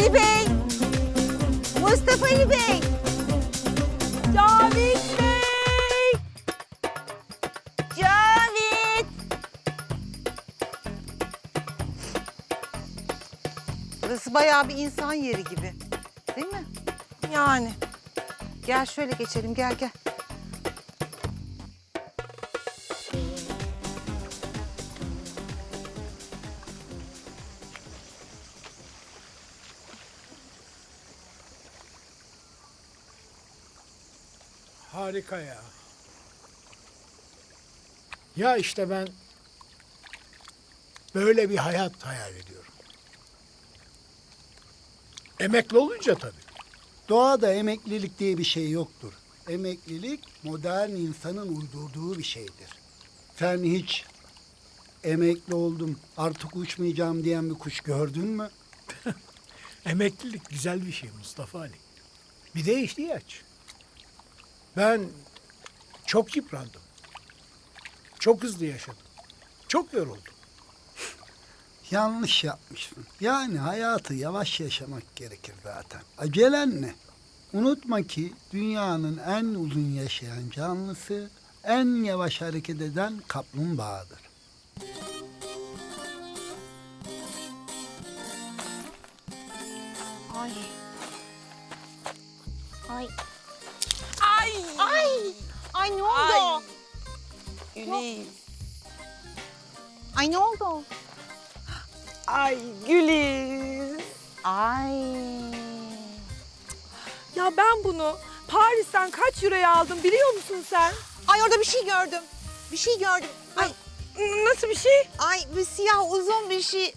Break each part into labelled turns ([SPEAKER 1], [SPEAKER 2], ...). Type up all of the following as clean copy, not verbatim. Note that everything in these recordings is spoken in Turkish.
[SPEAKER 1] Ali Bey! Mustafa Ali Bey! Cavit Bey! Cavit! Burası bayağı bir insan yeri gibi. Değil mi? Yani. Gel şöyle geçelim, gel gel.
[SPEAKER 2] Harika ya. Ya işte ben böyle bir hayat hayal ediyorum. Emekli olunca tabii.
[SPEAKER 3] Doğada emeklilik diye bir şey yoktur. Emeklilik modern insanın uydurduğu bir şeydir. Sen hiç emekli oldum artık uçmayacağım diyen bir kuş gördün mü?
[SPEAKER 2] Emeklilik güzel bir şey Mustafa Ali. Bir de ihtiyaç. Ben çok yıprandım. Çok hızlı yaşadım. Çok yoruldum.
[SPEAKER 3] Yanlış yapmışsın. Yani hayatı yavaş yaşamak gerekir zaten. Acelen ne? Unutma ki dünyanın en uzun yaşayan canlısı en yavaş hareket eden kaplumbağadır.
[SPEAKER 1] Ay. Ay.
[SPEAKER 4] Ay!
[SPEAKER 1] Ay! Ay ne oldu?
[SPEAKER 4] Ay! Güliz.
[SPEAKER 1] Ay ne oldu?
[SPEAKER 4] Ay Güliz.
[SPEAKER 1] Ay.
[SPEAKER 4] Ya ben bunu Paris'ten kaç euroya aldım biliyor musun sen?
[SPEAKER 1] Ay orada bir şey gördüm. Bir şey gördüm. Ay,
[SPEAKER 4] Nasıl bir şey?
[SPEAKER 1] ay bir siyah uzun bir şey.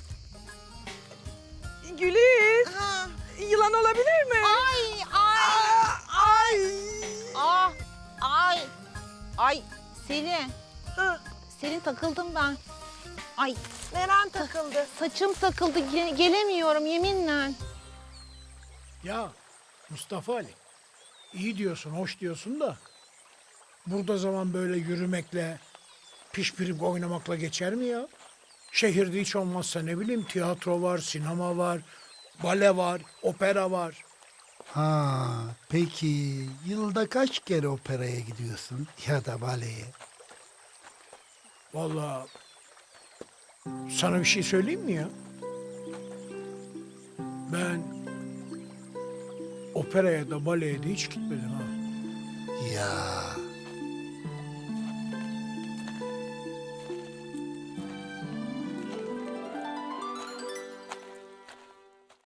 [SPEAKER 4] Güliz.
[SPEAKER 1] Ha.
[SPEAKER 4] Yılan olabilir mi?
[SPEAKER 1] Ay, ay.
[SPEAKER 4] Ay!
[SPEAKER 1] Ah, ay. Ay Selin.
[SPEAKER 4] Ha,
[SPEAKER 1] Selin takıldım ben. Ay
[SPEAKER 4] neren takıldı?
[SPEAKER 1] saçım takıldı. Gelemiyorum yeminle.
[SPEAKER 2] Ya Mustafa Ali, iyi diyorsun, hoş diyorsun da burada zaman böyle yürümekle, pişpirip oynamakla geçer mi ya? Şehirde hiç olmazsa ne bileyim tiyatro var, sinema var, bale var, opera var.
[SPEAKER 3] Ha, peki yılda kaç kere operaya gidiyorsun ya da baleye?
[SPEAKER 2] Vallahi sana bir şey söyleyeyim mi ya? Ben operaya da baleye de hiç gitmedim ha.
[SPEAKER 3] Ya